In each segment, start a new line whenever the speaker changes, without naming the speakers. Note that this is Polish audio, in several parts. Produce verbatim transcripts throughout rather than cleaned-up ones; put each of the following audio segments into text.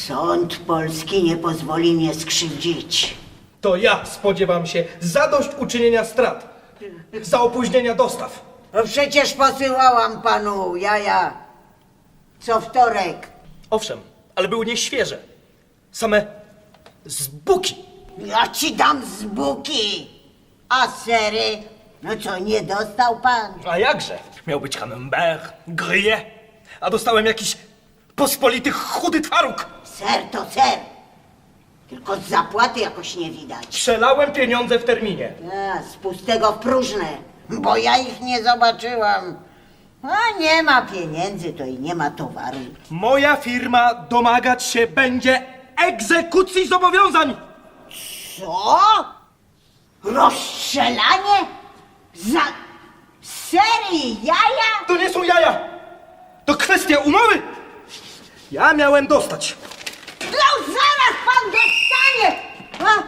Sąd polski nie pozwoli mnie skrzywdzić.
To ja spodziewam się zadośćuczynienia strat, za opóźnienia dostaw.
No przecież posyłałam panu jaja co wtorek.
Owszem, ale były nieświeże. Same zbuki.
Ja ci dam z buki. A sery? No co, nie dostał pan?
A jakże? Miał być camembert, gruyère, a dostałem jakiś pospolity chudy twaróg.
Ser to ser. Tylko z zapłaty jakoś nie widać.
Przelałem pieniądze w terminie.
A, z pustego w próżne, bo ja ich nie zobaczyłam. A nie ma pieniędzy, to i nie ma towaru.
Moja firma domagać się będzie egzekucji zobowiązań.
Co? Rozstrzelanie? Za serii jaja?
To nie są jaja. To kwestia umowy. Ja miałem dostać.
No zaraz pan dostanie! A?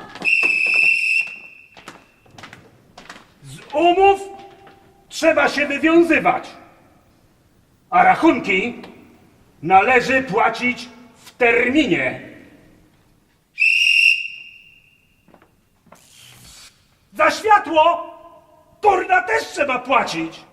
Z umów trzeba się wywiązywać, a rachunki należy płacić w terminie. Za światło, kurna, też trzeba płacić.